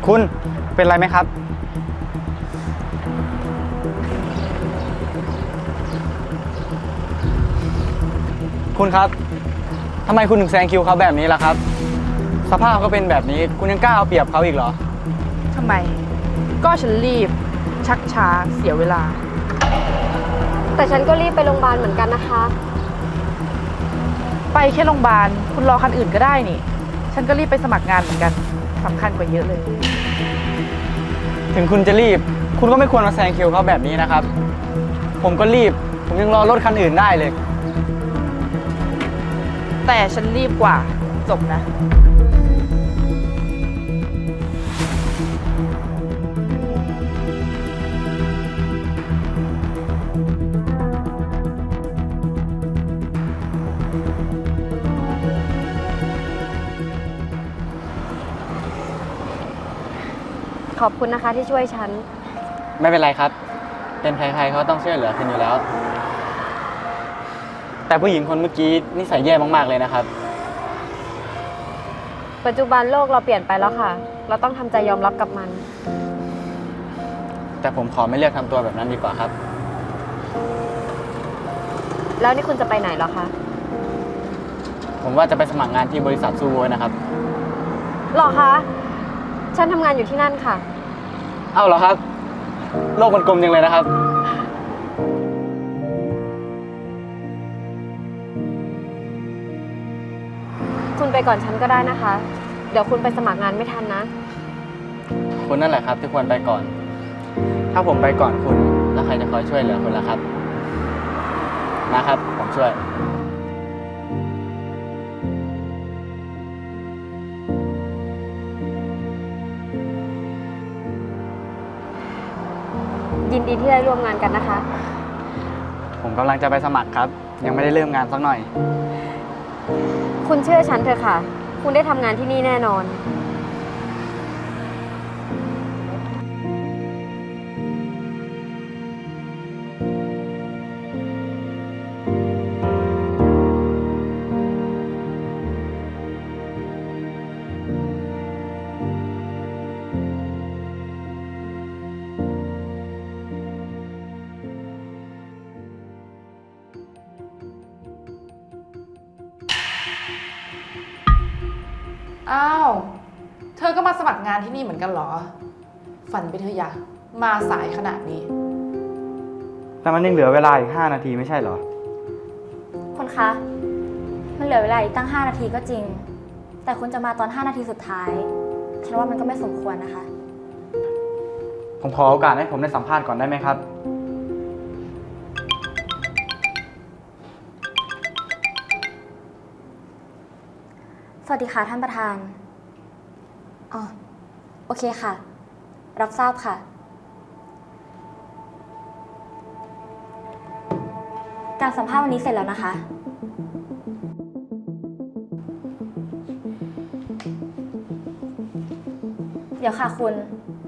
คุณเป็นไรไหมครับคุณครับทำไมคุณถึงแซงคิวเขาแบบนี้ล่ะครับสภาพเขาเป็นแบบนี้คุณยังกล้าเอาเปรียบเขาอีกเหรอทำไมก็ฉันรีบชักช้าเสียเวลาแต่ฉันก็รีบไปโรงพยาบาลเหมือนกันนะคะไปแค่โรงพยาบาลคุณรอคันอื่นก็ได้นี่ฉันก็รีบไปสมัครงานเหมือนกันสำคัญกว่าเยอะเลยถึงคุณจะรีบคุณก็ไม่ควรมาแซงคิวเขาแบบนี้นะครับผมก็รีบผมยังรอรถคันอื่นได้เลยแต่ฉันรีบกว่าจบนะขอบคุณนะคะที่ช่วยฉันไม่เป็นไรครับเป็นใครๆเขาต้องช่วยเหลือคุณอยู่แล้วแต่ผู้หญิงคนเมื่อกี้นิสัยแย่มากๆเลยนะครับปัจจุบันโลกเราเปลี่ยนไปแล้วค่ะเราต้องทำใจยอมรับกับมันแต่ผมขอไม่เลือกทำตัวแบบนั้นดีกว่าครับแล้วนี่คุณจะไปไหนเหรอคะผมว่าจะไปสมัครงานที่บริษัทซูโวนะครับหรอคะฉันทำงานอยู่ที่นั่นค่ะเอ้าเหรอครับโลกมันกลมจังเลยนะครับคุณไปก่อนฉันก็ได้นะคะเดี๋ยวคุณไปสมัครงานไม่ทันนะคุณนั่นแหละครับที่ควรไปก่อนถ้าผมไปก่อนคุณแล้วใครจะคอยช่วยเหลือคุณล่ะครับนะครับผมช่วยยินดีที่ได้ร่วมงานกันนะคะผมกำลังจะไปสมัครครับยังไม่ได้เริ่มงานสักหน่อยคุณเชื่อฉันเถอะค่ะคุณได้ทำงานที่นี่แน่นอนอ้าวเธอก็มาสมัครงานที่นี่เหมือนกันเหรอฝันไปเถอะอย่ามาสายขนาดนี้แต่มันยังเหลือเวลาอีก5 นาทีไม่ใช่เหรอคุณคะมันเหลือเวลาอีกตั้ง5 นาทีก็จริงแต่คุณจะมาตอน5 นาทีสุดท้ายฉันว่ามันก็ไม่สมควรนะคะผมขอโอกาสให้ผมได้สัมภาษณ์ก่อนได้ไหมครับสวัสดีค่ะท่านประธานอ๋อโอเคค่ะรับทราบค่ะการสัมภาษณ์วันนี้เสร็จแล้วนะคะเดี๋ยวค่ะคุณ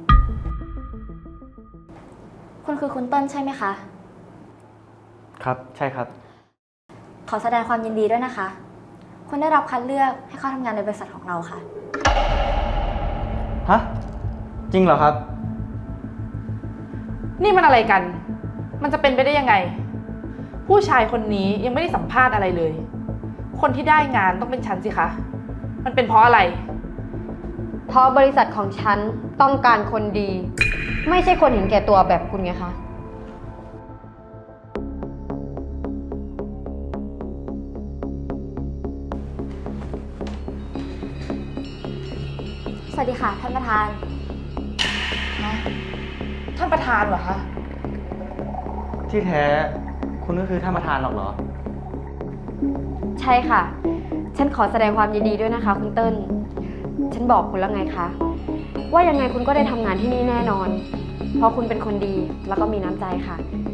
คือคุณเติ้ลใช่ไหมคะครับใช่ครับขอแสดงความยินดีด้วยนะคะคุณได้รับคัดเลือกให้เข้าทำงานในบริษัทของเราค่ะฮะจริงเหรอครับนี่มันอะไรกันมันจะเป็นไปได้ยังไงผู้ชายคนนี้ยังไม่ได้สัมภาษณ์อะไรเลยคนที่ได้งานต้องเป็นฉันสิคะมันเป็นเพราะอะไรเพราะบริษัทของฉันต้องการคนดีไม่ใช่คนเห็นแก่ตัวแบบคุณไงคะสวัสดีค่ะท่านประธานท่านประธานเหรอคะที่แท้คุณก็คือท่านประธานหรอกเหรอใช่ค่ะฉันขอแสดงความยินดีด้วยนะคะคุณเติ้ลฉันบอกคุณแล้วไงคะว่ายังไงคุณก็ได้ทำงานที่นี่แน่นอนเพราะคุณเป็นคนดีแล้วก็มีน้ำใจค่ะ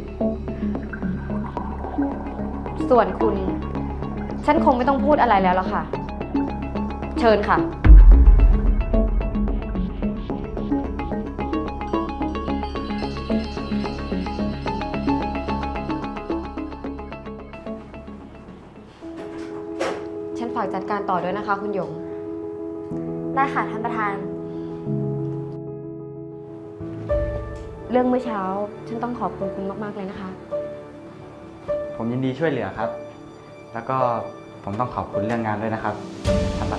ส่วนคุณฉันคงไม่ต้องพูดอะไรแล้วล่ะค่ะเชิญค่ะฝากจัดการต่อด้วยนะคะคุณหยงได้ค่ะท่านประธานเรื่องเมื่อเช้า ฉันต้องขอบคุณคุณมากๆเลยนะคะผมยินดีช่วยเหลือครับ แล้วก็ผมต้องขอบคุณเรื่องงานด้วยนะครับท่านประ